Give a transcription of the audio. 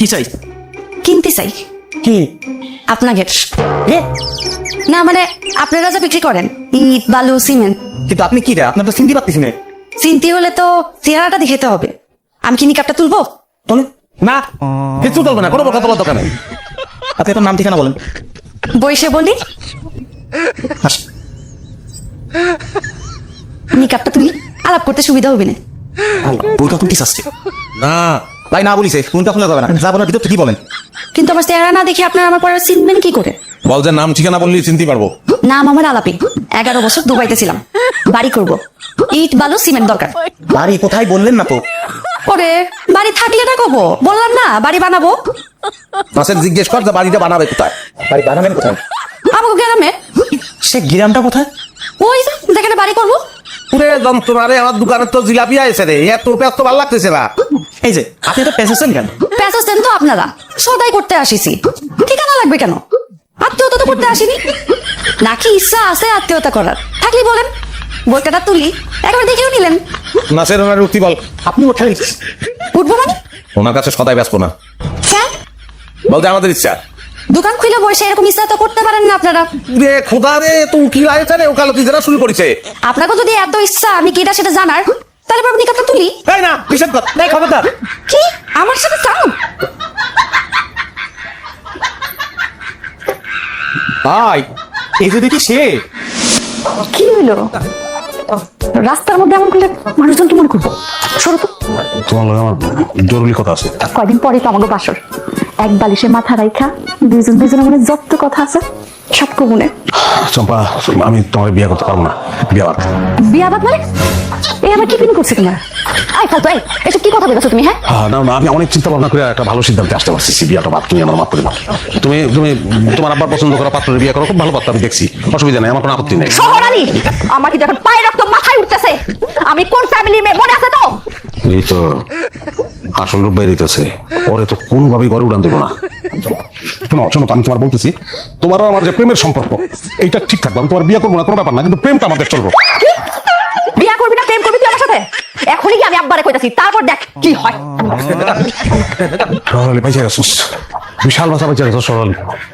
কি চাই? কিনতে চাই কি? আপনাকে। না মানে আপনারা যা বিক্রি করেন ইট বালু সিমেন্ট। কিন্তু আপনি কি রে? আপনার তো চিনতে পারতেছি না। চিনতে হলে তো চেহারাটা দেখাতে হবে। আমি কি নিকাপটা তুলবো? তোলে না, কিছু চলবে না, কোনো কথা বলার দরকার নেই। আপনি আপনার নাম ঠিকানা বলেন। বইসে বলি হাস। নিকাপটা তুলি, আলাপ করতে সুবিধা হবে না। বউটা তুমি কি চাচ্ছে? না ভাই না বলিছে, ফোনটা খোলা যাবে না, যা বলার ভিতর কি বলেন। কিন্তু আমার চেহারা না দেখে আপনারা আমার পরে চিনবেন কি করে? বল যে নাম ঠিকানা বললি চিনতে পারবো। নাম আমার আলাপি। 11 বছর দুবাইতে ছিলাম। বাড়ি করব, ইট বালু সিমেন্ট দরকার। বাড়ি কোথায় বললেন না তো। ওরে বাড়ি থাকলে না কব, বললাম না বাড়ি বানাবো। মাসের জিজ্ঞেস কর যে বাড়িটা বানাবে কোথায়। বাড়ি বানাবেন কোথায়? আমাকে গ্রামে। সে গ্রামটা কোথায়? ওই যে যেখানে বাড়ি করবো। পুরে যন্ত্রণা রে, আমার দোকানের তো জিলাপি আছে রে, এত ব্যস্ত ভালো লাগতেছে না। এই যে আপনি তো পেঁচেছেন কেন? প্যাসেজ দেন তো আপনারা, সদাই করতে আসিছি। ঠিকানা লাগবে কেন? আত্মীয়তা তো করতে আসিনি। নাকি ইচ্ছা আছে আত্মীয়তা করার? থাকলে বলেন, বইটা তুলি একবার দেখেও নিলেন। নাসের ওনার উঠতি বল। আপনি ওঠাই। উঠবো মানে? ওনার কাছে সদাই ব্যস্ত না, হ্যাঁ, বলতে আমাদের ইচ্ছা। দোকান খুলে বসে এরকম ইচ্ছা তো করতে পারেন না আপনারা। রে খোদা রে, তুই কি লাগছে রে, ওকালতি যারা শুরু করেছে। আপনাকে যদি এত ইচ্ছা আমি কিটা সেটা জানার, তাহলে আপনি নিকাপটা তুলি। তাই না, নিষেধ কর। এই খবরদার। কি আমার সাথে চাও? ভাই এই যে দেখি সে। কি হইলো? রাস্তার মধ্যে এমন করলে মানুষজন কি মনে করবো? সরো তো। তোমার লগে আমার জরুরি কথা আছে। কয়দিন পরে তো আমাকে বাসর। এক বালিশে মাথা রাইখা দুজনের মনে যত কথা আছে সব কবুনে। চম্পা, আমি তোমার বিয়ে করতে পারবো না। বিয়ে বাদ। বিয়া বাদ মানে? এই আবার কি পিন করছে তোমার? আই ফালতু, এই এসব কি কথা বলেছো তুমি? হ্যাঁ, না না, আমি অনেক চিন্তা ভাবনা করে একটা ভালো সিদ্ধান্তে আসতে পারছি। বিয়েটা বাদ, তুমি আমার মাফ করে দাও। তুমি তুমি তোমার আব্বার পছন্দ করা পাত্রের বিয়ে করো, খুব ভালো পাত্র, আমি দেখছি, অসুবিধা নেই, আমার কোনো আপত্তি নেই। শহর আলী, আমার কি যখন পায়ের রক্ত মাথায় উঠতেছে? আমি কোন ফ্যামিলির মেয়ে মনে আছে তো? এই তো আসল রূপ বেরিতেছে, পরে তো কোনোভাবেই ঘরে উড়ান দেবো না। শোনো শোনো, আমি তোমার বলতেছি, তোমারও আমার যে প্রেমের সম্পর্ক এইটা ঠিক থাকবে। আমি তোমার বিয়ে করবো না কোনো ব্যাপার না, কিন্তু প্রেমটা আমাদের চলবো। বিয়া করবি না প্রেম করবি তুই আমার সাথে? এখনই কি আমি আব্বারে কইতাছি, তারপর দেখ কি হয়। সরালি পাইছে গেছিস, বিশাল ভাষা পাইছে গেছিস সরালি।